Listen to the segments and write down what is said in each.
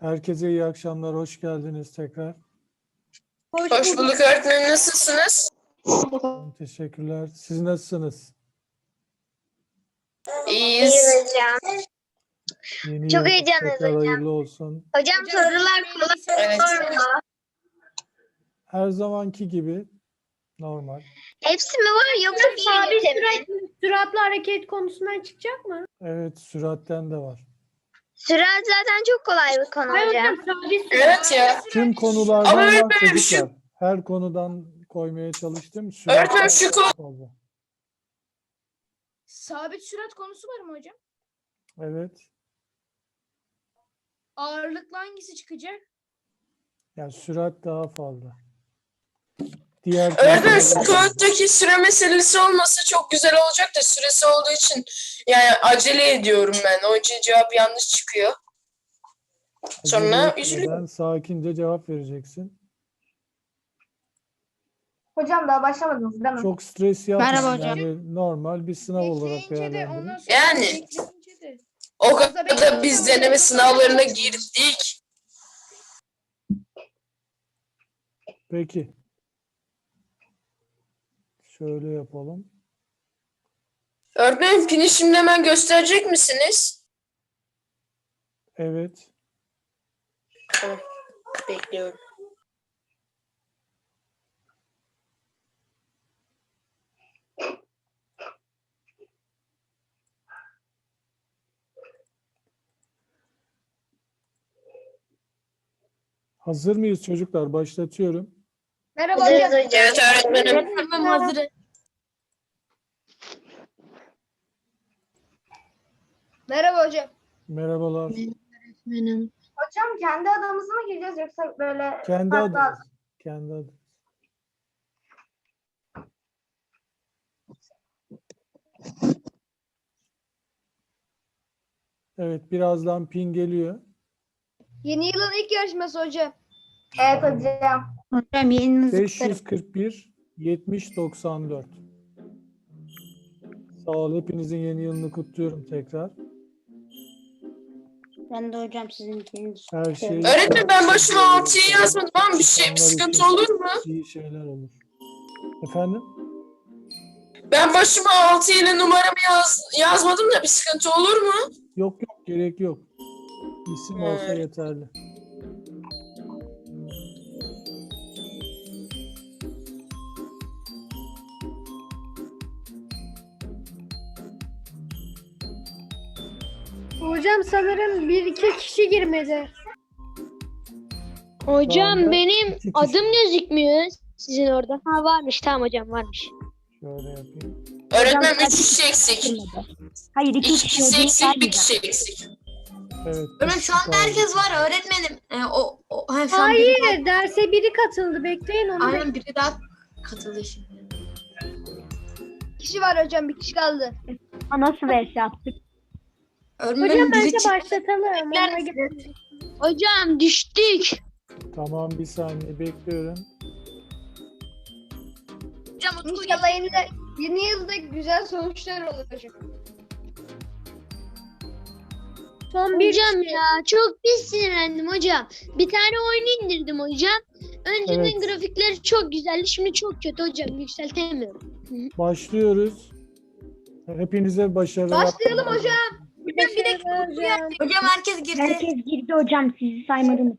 Herkese iyi akşamlar, hoş geldiniz tekrar. Hoş bulduk öğretmenim. Nasılsınız? Teşekkürler. Siz nasılsınız? İyiyiz. hocam. Yeni Çok yılınız heyecanlıyız tekrar hocam. hayırlı olsun. Hocam sorular kolay Evet. olur mu? Her zamanki gibi normal. Hepsi mi var yoksa Sabit fiil mi? süratli hareket konusundan çıkacak mı? Evet, süratten de var. Sürat zaten çok kolay bir konu Hayır hocam. hocam sabit sürat. Evet ya. Tüm konulardan Ama var öğretmenim çocuklar. Her konudan koymaya çalıştım. Öğretmenim şu konu. fazla. Sabit sürat konusu var mı hocam? Evet. Ağırlıklı hangisi çıkacak? Yani sürat daha fazla. Diğer Öğretmenim şu konulardan- konuttaki süre meselesi olmasa çok güzel olacak da süresi olduğu için yani acele ediyorum ben. Onun için cevap yanlış çıkıyor. Sonra Acele üzülüyorum. etmeden sakince cevap vereceksin. Hocam daha başlamadınız değil mi? Çok stres yapmayın. Merhaba hocam. Yani normal bir sınav olarak Bekleyince de ondan değerlendirin. sonra Yani. bekleyince de. O kadar da biz deneme sınavlarına girdik. Peki. Şöyle yapalım. Öğretmenim pini şimdi hemen gösterecek misiniz? Evet. Tamam. Bekliyorum. Hazır mıyız çocuklar? Başlatıyorum. Merhaba Hazırız hocam. hocam. Evet öğretmenim. Tamam hazır. Merhaba hocam. Merhabalar. Hocam kendi adımızı mı gireceğiz yoksa böyle Kendi farklı adınız. Kendi adınız. Evet, birazdan pin geliyor. Yeni yılın ilk yarışması hocam. Evet hocam. Hocam yayınınızı 541 70 94. Sağ ol. Hepinizin yeni yılını kutluyorum tekrar. Ben de hocam sizinkini. Her şey Öğretmenim ben başıma 6'yı yazmadım ama bir İnsanlar sıkıntı için olur mu? iyi şeyler olur. Efendim? Ben başıma 6 ile numaramı yazmadım da bir sıkıntı olur mu? Yok yok, gerek yok. İsim olsa yeterli. Hocam sanırım bir iki kişi girmedi. Şu anda Hocam benim iki kişi. adım gözükmüyor sizin orada. Ha varmış, tamam hocam varmış. Şöyle yapayım. Öğretmenim 3 kişi eksik. Hayır 2 kişi eksik, 1 kişi eksik. Evet. Öğretmenim şu anda herkes var öğretmenim. Şu an Hayır derse biri katıldı. Bekleyin onu. aynen biri daha katıldı şimdi. Kişi var hocam, bir kişi kaldı. Nasıl vs attık? Hocam Öğretmenim bence biri çıktı. başlatalım. Bekler Ona misiniz? göre- Hocam düştük. Tamam, bir saniye bekliyorum. Hocam Utku İnşallah yeni yılda güzel sonuçlar olur hocam. Son bir Hocam kişi. ya çok pis sinirlendim hocam. Bir tane oyun indirdim hocam. Önceden Evet. grafikleri çok güzeldi. Şimdi çok kötü hocam. Yükseltemiyorum. Başlıyoruz. Hepinize başarılar. Başlayalım hocam. bir dakika Utku geldi. Hocam herkes girdi. Herkes girdi hocam, sizi saymadım.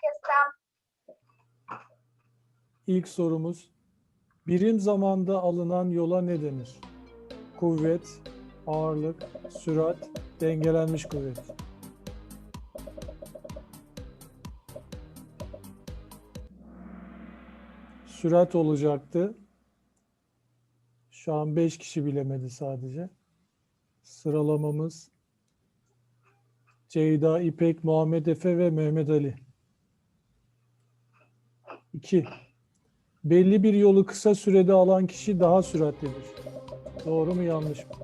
İlk sorumuz. Birim zamanda alınan yola ne denir? Kuvvet, ağırlık, sürat, dengelenmiş kuvvet. Sürat olacaktı. Şu an 5 kişi bilemedi sadece. Sıralamamız Ceyda, İpek, Muhammed Efe ve Mehmet Ali. 2. Belli bir yolu kısa sürede alan kişi daha süratlidir. Doğru mu, yanlış mı?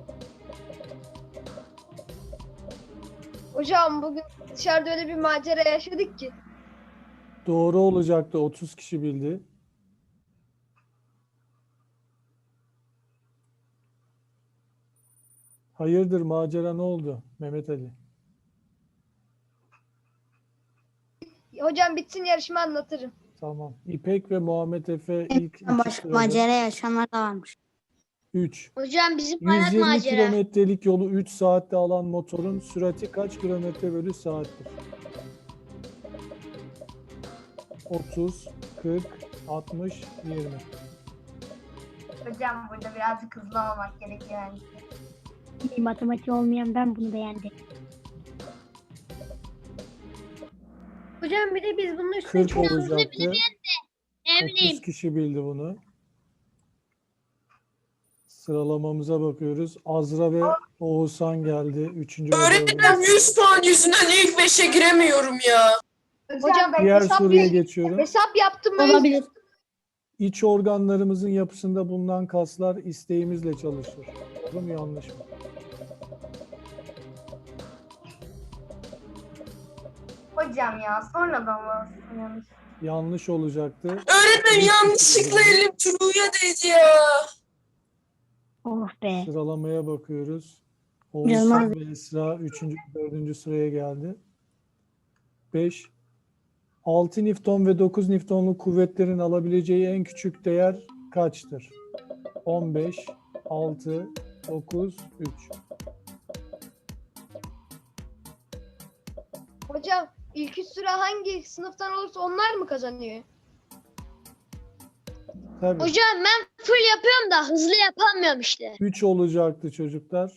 Hocam bugün dışarıda öyle bir macera yaşadık ki. Doğru olacaktı. 30 kişi bildi. Hayırdır, macera ne oldu Mehmet Ali? Hocam bitsin yarışma anlatırım. Tamam. İpek ve Muhammed Efe ilk iki sırada. Macera yaşayanlar da varmış. 3. Hocam bizim hayat 120 macera. kilometrelik yolu 3 saatte alan motorun sürati kaç kilometre bölü saattir? 30, 40, 60, 20. Hocam burada birazcık hızlı olmak gerekiyor yani. Bir matematiği olmayan ben bunu beğendim. Hocam bir de biz bunun üstüne 40 olacaktı. Ne bileyim. 30 kişi bildi bunu. Sıralamamıza bakıyoruz. Azra ve Oğuzhan geldi. 3. ve 4. Öğretmenim 100 puan yüzünden ilk 5'e giremiyorum ya. Hocam ben Diğer hesap, soruya geçiyorum. hesap yaptım ben. Olabilir. İç organlarımızın yapısında bulunan kaslar isteğimizle çalışır. Doğru mu yanlış mı? Hocam ya sonradan mı olsun yanlış? Yanlış olacaktı. Öğretmenim yanlışlıkla elim True'ya değdi ya. Oh be. Sıralamaya bakıyoruz. Canım Oğuzhan ve Esra 3. 4. sıraya geldi. 5. 6 Newton ve 9 Newton'luk kuvvetlerin alabileceği en küçük değer kaçtır? 15, 6, 9, 3. Hocam ilk üç sıra hangi sınıftan olursa onlar mı kazanıyor? Tabii. Hocam ben full yapıyorum da hızlı yapamıyorum işte. 3 olacaktı çocuklar.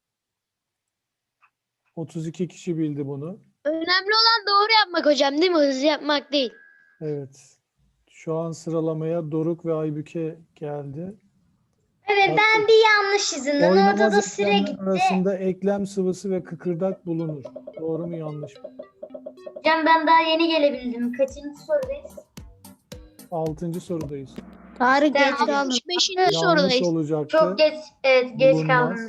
32 kişi bildi bunu. Önemli olan doğru yapmak hocam değil mi? Hızlı yapmak değil. Evet. Şu an sıralamaya Doruk ve Aybüke geldi. Evet ben bir yanlış yüzünden Oynamaz orada da süre eklemler gitti. arasında eklem sıvısı ve kıkırdak bulunur. Doğru mu yanlış mı? Hocam ben daha yeni gelebildim. Kaçıncı sorudayız? 6. sorudayız. Tarık geç Tamam. kaldım. 65. Yanlış sorudayız. olacaktı. Çok geç, evet geç Bulunmaz. kaldım.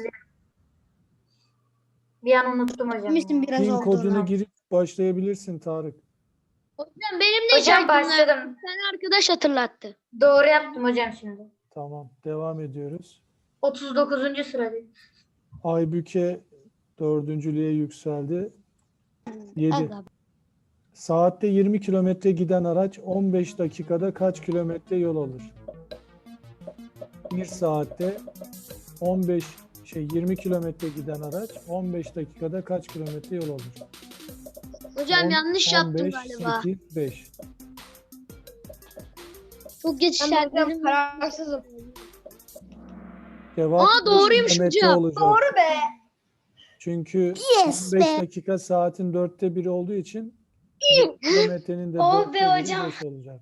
Bir an unuttum hocam. Bilmiştim biraz Pin olduğunu. kodunu girip başlayabilirsin Tarık. Hocam benim de Hocam şarkımla başladım. bir tane arkadaş hatırlattı. Doğru yaptım hocam şimdi. Tamam. Devam ediyoruz. 39. sıradayım. Aybüke 4.lüğe yükseldi. 7. Aga. Saatte 20 kilometre giden araç 15 dakikada kaç kilometre yol alır? 1 saatte 20 kilometre giden araç 15 dakikada kaç kilometre yol alır? Hocam 10, yanlış yaptım 15, galiba. 8, 5. Çok geç Ben hocam işaretledim. kararsızım. Cevap Aa, doğruymuş 5 kilometre hocam. olacak. Doğru be. Çünkü Yes 15 be. dakika saatin 1/4 olduğu için 1 kilometrenin de Oh 4'te be biri hocam. 5 olacak.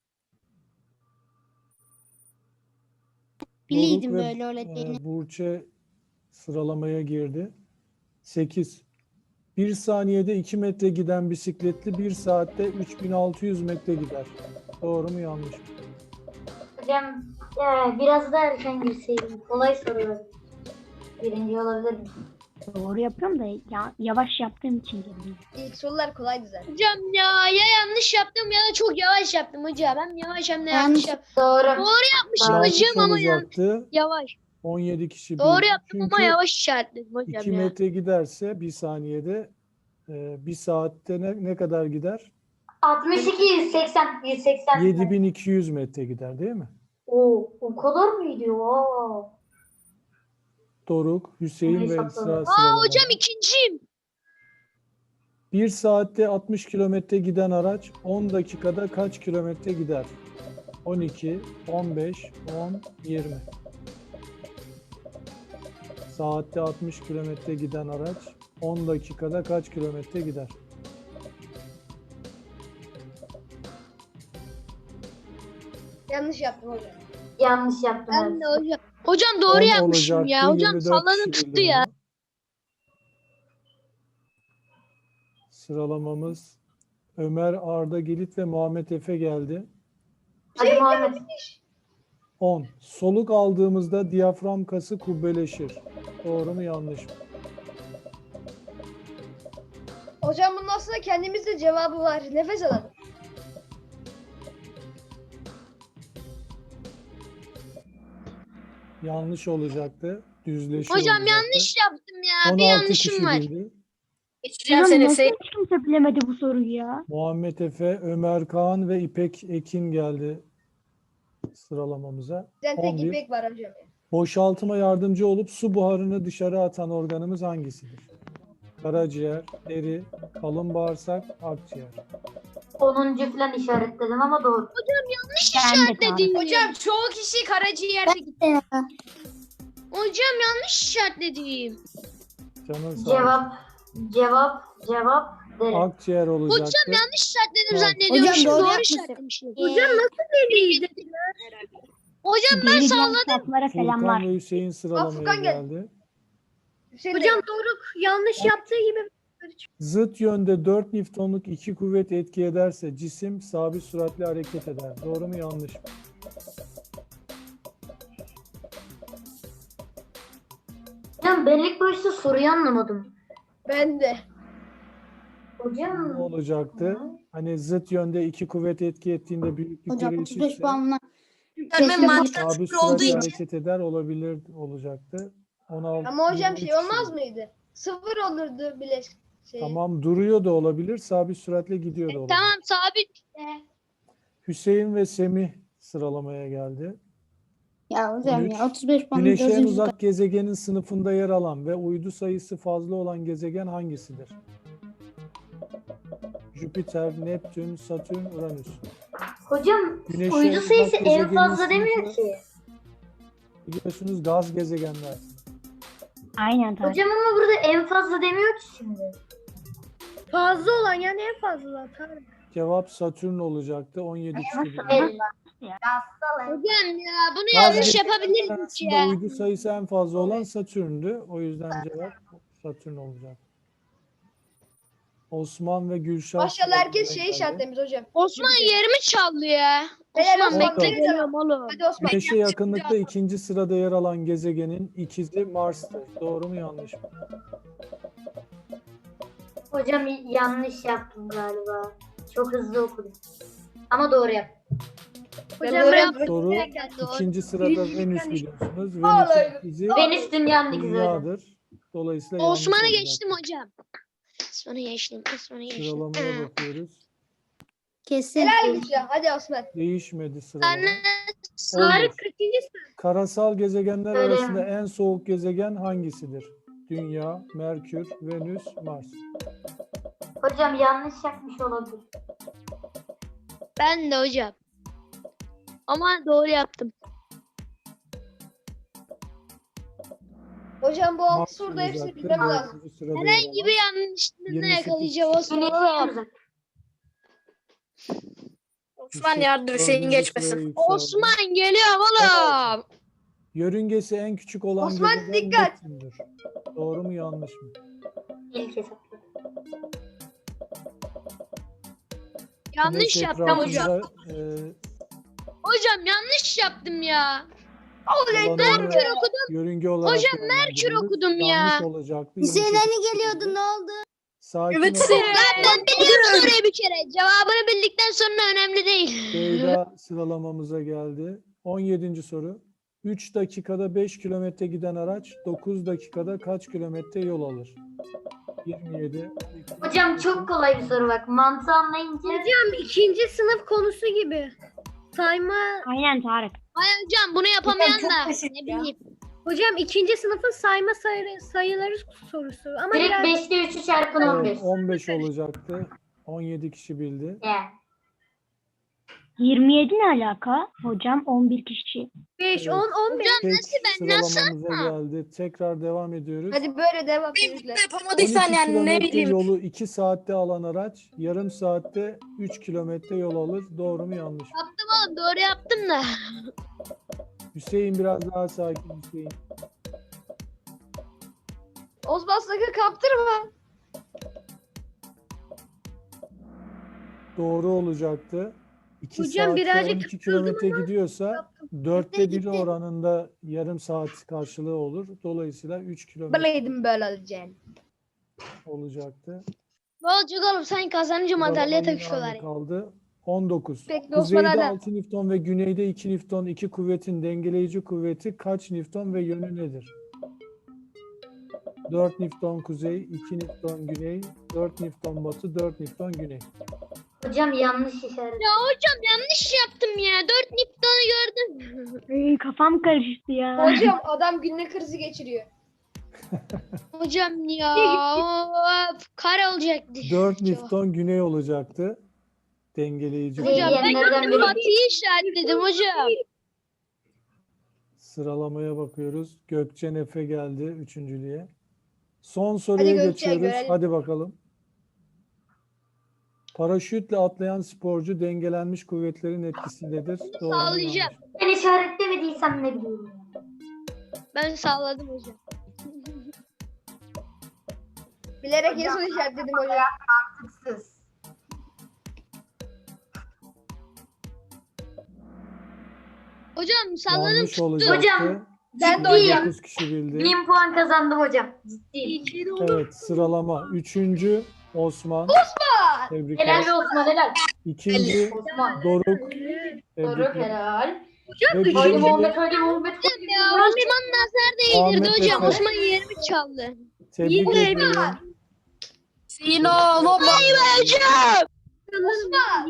Biliydim Doruk ve, böyle öğrettiğini. Burçe sıralamaya girdi. 8. 1 saniyede 2 metre giden bisikletli 1 saatte 3600 metre gider. Doğru mu yanlış mı? Hocam biraz daha erken girseydim. Kolay sorular. Birinci olabilir mi? Doğru yapıyorum da yavaş yaptığım için geldim. İlk sorular kolaydı zaten. Hocam ya yanlış yaptım ya da çok yavaş yaptım hocam. Hem yavaş hem de yanlış Yanlış. yaptım. Doğru. Yapmışım Yanlış hocam ama olacaktı. yavaş. 17 kişi Doğru bildi. yaptım ama Çünkü yavaş işaretledim hocam 2 ya. metre giderse 1 saniyede 1 saatte ne kadar gider? 62, 180, 180. 7200 metre gider değil mi? O kadar mıydı? Oo. Doruk, Hüseyin ve Neyse, Esra tamam. sıralamada. Hocam ikinciyim. 1 saatte 60 kilometre giden araç 10 dakikada kaç kilometre gider? 12, 15, 10, 20. Saatte 60 kilometre giden araç 10 dakikada kaç kilometre gider? Yanlış yaptım hocam. Yanlış yaptım. Ben evet. de hocam. Hocam doğru 10 yapmışım olacaktı, ya. Hocam 24 salladım kişi tuttu bildi ya. bunu. Sıralamamız Ömer, Arda Gelit ve Muhammed Efe geldi. Hadi Muhammed. 10. Soluk aldığımızda diyafram kası kubbeleşir. Doğru mu yanlış mı? Hocam bunun aslında kendimizde cevabı var. Nefes alalım. Yanlış olacaktı. Düzleşir Hocam olacaktı. yanlış yaptım ya. Bir 16 kişi yanlışım var. bildi. Geçeceğim Hocam seni nasıl Hüseyin. hiç kimse bilemedi bu soruyu ya? Muhammed Efe, Ömer Kaan ve İpek Ekin geldi sıralamamıza. Bizden tek 11. İpek var hocam. Boşaltıma yardımcı olup su buharını dışarı atan organımız hangisidir? Karaciğer, deri, kalın bağırsak, akciğer. 10. falan işaretledim ama doğru. Yanlış Ben de işaretledim. Hocam çoğu kişi karaciğerde gitti. Hocam yanlış işaretledim. Canın sağ olsun. Cevap deri. Akciğer olacaktı. Hocam yanlış işaretledim Tamam. zannediyormuşum. Hocam doğru Doğru yapmışsın. işaretlemişim. Hocam Hocam ben Deli salladım. saflara selamlar. Furkan ve Hüseyin sıralamaya Furkan gel. geldi. Hüseyin Hocam Doruk yanlış yaptığı gibi Zıt yönde 4 Newton'luk iki kuvvet etki ederse cisim sabit süratle hareket eder. Doğru mu yanlış mı? Hocam ben ilk başta soruyu anlamadım. ben de. Ne Hocam olacaktı? Hani zıt yönde iki kuvvet etki ettiğinde büyüklükleri eşitse Öğretmenim mantıklı sabit sıfır olduğu süratle için. hareket eder olabilir olacaktı. 16, Ama hocam 23 şey olmaz kişi. mıydı? Sıfır olurdu bile şey. Tamam, duruyor da olabilir, sabit süratle gidiyor da olabilir. Tamam sabit. Hüseyin ve Semih sıralamaya geldi. Ya hocam 13. ya 35 puan Güneş'e en gözünüzü uzak gezegenin sınıfında yer alan ve uydu sayısı fazla olan gezegen hangisidir? Jüpiter, Neptün, Satürn, Uranüs. hocam Güneşe uydu uzak sayısı en gezegenin fazla demiyor sınıfı- ki. Biliyorsunuz gaz gezegenler. Aynen Tarık. Hocam ama burada en fazla demiyor ki şimdi. fazla olan yani en fazla. Tamam. Cevap Satürn olacaktı. 17 kişi bildi. El. Hocam ya bunu Gaz yanlış gezegenler yapabiliriz arasında ya. uydu sayısı en fazla olan Satürn'dü. O yüzden cevap Satürn olacak. Osman ve Gülşah. Maşallah herkes sıralamaya şey geldi. işaretlemiş hocam. Osman yerimi çaldı ya. Helal Osman Osman. bekle Bakalım. geliyorum oğlum. Hadi Osman. Güneş'e yakınlıkta ikinci sırada yer alan gezegenin ikizi Mars'tır. Doğru mu yanlış mı? Hocam yanlış yaptım galiba. Çok hızlı okudum. Ama doğru yaptım. Hocam doğru ben yaptım. Soru Doğru. ikinci sırada Venüs biliyorsunuz. Vallahi. Venüs'ün ikizi Venüs dünyanın ikizi hocam. Dünya'dır. Dolayısıyla yanlış Osman'ı olacak. geçtim hocam. Osman'ı geçtim. Osman'ı geçtim. Sıralamaya bakıyoruz. kesin. Helal Gülşah. Hadi Osman. Değişmedi sıralama. Anne. 11. kaçıncı Karasal gezegenler Öyle. arasında en soğuk gezegen hangisidir? Dünya, Merkür, Venüs, Mars. Hocam yanlış yapmış olabilir. Ben de hocam. Ama doğru yaptım. Hocam bu altı Mars soruda hepsini olacaktı. bilmem lazım. Dördüncü sırada yer Herhangi alan. bir yanlışlığını 28 yakalayacağım Osman. Güneşi oğlum. uzak. Osman yardım Hüseyin dördüncü geçmesin. sıraya yükseldi. Osman geliyorum oğlum. Yörüngesi en küçük olan Osman, gezegen dikkat! Neptün'dür. Doğru mu yanlış mı? İlk hesapladım. Yanlış Güneş yaptım hocam. etrafında, Hocam yanlış yaptım ya. dolananı Merkür okudum. yörünge olarak Hocam, Merkür değerlendiriyoruz. okudum ya. Yanlış olacaktı. Hüseyin 28 hani geliyordu ne oldu? Sakin Evet, olun. Hüseyin. Ben biliyorum soruyu bir kere. Cevabını bildikten sonra önemli değil. Beyda sıralamamıza geldi. 17. soru. 3 dakikada 5 kilometre giden araç 9 dakikada kaç kilometre yol alır? 27. Hocam çok kolay bir soru bak. Mantığı anlayınca Hocam ikinci sınıf konusu gibi. Sayma. Aynen Tarık. Ay hocam bunu yapamayan Hocam çok da basit ne ya. bileyim. Hocam ikinci sınıfın sayma sayıları sorusu. Ama direkt biraz 5'te 3'ü çarpın Evet, 15. 15 olacaktı. 17 kişi bildi. Yani. 27 ne alaka? Hocam 11 kişi. 5, Evet. 10, 15. Tek ben nasıl? sıralamamıza geldi. Tekrar devam ediyoruz. Hadi böyle devam 12 çocuklar. Yapamadıysan yani ne kilometre bileyim. yolu 2 saatte alan araç yarım saatte 3 kilometre yol alır. Doğru mu yanlış mı? Yaptım oğlum doğru yaptım da. Hüseyin biraz daha sakin Hüseyin. Osman sakın kaptırma. Doğru olacaktı. 2 Hocam saatte birazcık 12 kilometre gidiyorsa 4'te 1 oranında yarım saat karşılığı olur. Dolayısıyla 3 kilometre Bileydim böyle olacağını. olacaktı. Ne olacak oğlum sen kazanınca madalya Sıralama yine takışıyorlar. aynı kaldı. 19. Bekle Osman Kuzeyde hala. 6 Newton ve güneyde 2 Newton iki kuvvetin dengeleyici kuvveti kaç Newton ve yönü nedir? 4 Newton kuzey, 2 Newton güney, 4 Newton batı, 4 Newton güney. Hocam yanlış işaret. Ya hocam yanlış yaptım ya. 4 Newton'u gördüm. Kafam karıştı ya. Hocam adam günlük krizi geçiriyor. Hocam ya. Of, kare olacaktı. 4 Newton güney olacaktı. Dengeleyici. Hocam ben Diyenlerden biri. Batı'yı işaretledim hocam. Sıralamaya bakıyoruz. Gökçen Efe geldi üçüncülüğe. Son soruya Gökçen, geçiyoruz. görelim. Hadi bakalım. Paraşütle atlayan sporcu dengelenmiş kuvvetlerin etkisindedir. Doğru mu, Sağlayacağım. yanlış mı? Ben işaretlemediysem ne bileyim. Ben sağladım hocam. Bilerek en son işaretledim hocam. Mantıksız. Hocam salladım Yanlış tuttu. olacaktı. Hocam, Ben de hocam. 9 kişi bildi. 1000 puan kazandım hocam. Ciddi. Evet, sıralama. Üçüncü Osman. Tebrikler. Helal be Osman helal. İkinci Osman. Doruk. Doğru Tebrikler. helal. Ve Haydi birinci Muhammed haydi Muhammed. Ya Osman nazar değdirdi Ahmet hocam. Efe. Osman yerimi çaldı. tebrik ediyorum. Hocam. Osman.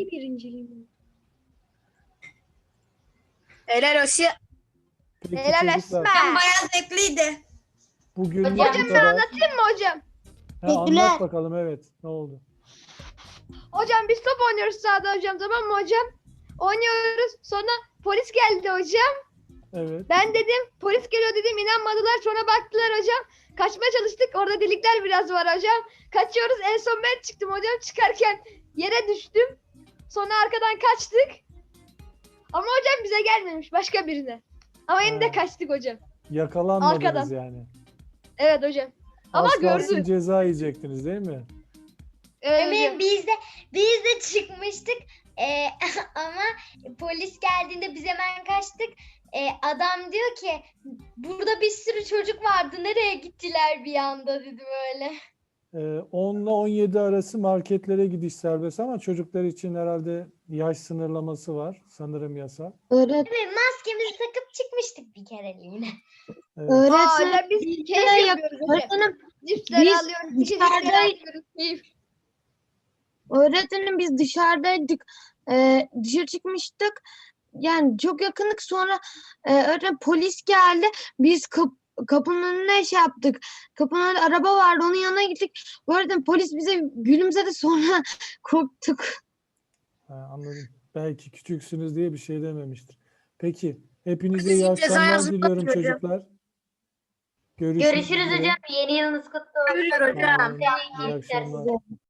Helal olsun. Peki Helal çocuklar, Bayağı zevkliydi. bugün bu Hocam, kadar. Anlatayım mı hocam? Anlat bakalım, evet. Ne oldu? Hocam biz top oynuyoruz sahada hocam, tamam mı hocam? Oynuyoruz, sonra polis geldi hocam. Evet. Ben dedim polis geliyor dedim, inanmadılar, sonra baktılar hocam. Kaçmaya çalıştık, orada delikler biraz var hocam. Kaçıyoruz, en son ben çıktım hocam, çıkarken yere düştüm. Sonra arkadan kaçtık. Ama hocam bize gelmemiş, başka birine. Ama yine Ha. de kaçtık hocam. Yakalanmadınız Arkadan. yani. Evet hocam. Ama Az kalsın gördü. ceza yiyecektiniz değil mi? Evet hocam. Emin biz de çıkmıştık. Ama polis geldiğinde biz hemen kaçtık. Adam diyor ki burada bir sürü çocuk vardı. Nereye gittiler bir anda dedi böyle. 10 ile 17 arası marketlere gidiş serbest ama çocuklar için herhalde yaş sınırlaması var. Sanırım yasa. Evet, maskemizi takıp çıkmıştık bir kereliğine. Evet. Aa, hocam biz keyif yapıyoruz hocam. Cipsleri biz alıyoruz, içecekleri dışarıda- alıyoruz. Keyif. Öğretmenim biz dışarıdaydık. Dışarı çıkmıştık. Yani çok yakınlık, sonra öğretmen polis geldi. Biz kapının önüne şey yaptık. Kapının önünde araba vardı. Onun yanına gittik. Öğretmen polis bize gülümsedi, sonra korktuk. Anladım. Belki küçüksünüz diye bir şey dememiştir. Peki. Hepinize Bizi iyi ceza akşamlar yazıp diliyorum atıyor hocam. çocuklar. Görüşmek Görüşürüz üzere. hocam. Yeni yılınız kutlu olsun. Görüşürüz hocam. İyi akşamlar.